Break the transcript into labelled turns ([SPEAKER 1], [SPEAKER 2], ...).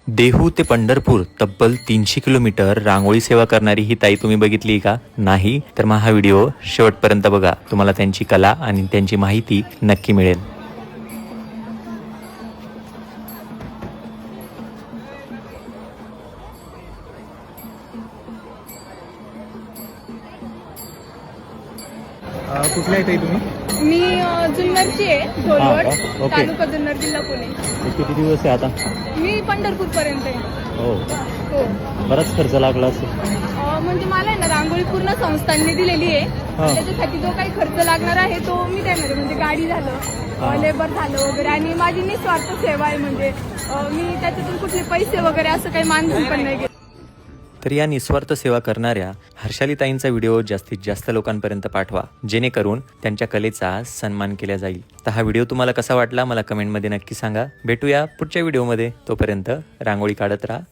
[SPEAKER 1] देहू ते पंढरपूर तब्बल 300 किलोमीटर रांगोळी सेवा करणारी ही ताई तुम्ही बघितली का? नाही तर मग हा व्हिडिओ शेवटपर्यंत बघा, तुम्हाला त्यांची कला आणि त्यांची माहिती नक्की मिळेल.
[SPEAKER 2] कुठल्या आहे ताई तुम्ही?
[SPEAKER 3] मी जुन्नरची आहे,
[SPEAKER 2] हा
[SPEAKER 3] ढोलवड,
[SPEAKER 2] का? ओके.
[SPEAKER 3] तालुका जुन्नर, जिल्हा पुणे.
[SPEAKER 2] किती दिवस आहे आता?
[SPEAKER 3] मी पंढरपूर पर्यंत आहे.
[SPEAKER 2] हो,
[SPEAKER 3] हो.
[SPEAKER 2] बराच खर्च लागला असेल.
[SPEAKER 3] म्हणजे मला आहे ना रांगोळी पूर्ण संस्थांनी दिलेली आहे.
[SPEAKER 2] हा.
[SPEAKER 3] त्याच्यासाठी जो काही खर्च लागणार आहे तो मी देणार आहे. म्हणजे गाडी
[SPEAKER 2] हा.
[SPEAKER 3] झालं, लेबर झालं वगैरे, आणि माझी निस्वार्थ सेवा आहे. म्हणजे मी त्याच्यातून कुठले पैसे वगैरे असं काही मानधन पण नाही घेत.
[SPEAKER 1] तर या निस्वार्थ सेवा करणाऱ्या हर्षालीताईंचा व्हिडिओ जास्तीत जास्त लोकांपर्यंत पाठवा, जेणेकरून त्यांच्या कलेचा सन्मान केला जाईल. तर हा व्हिडिओ तुम्हाला कसा वाटला मला कमेंटमध्ये नक्की सांगा. भेटूया पुढच्या व्हिडिओमध्ये. तोपर्यंत रांगोळी काढत राहा.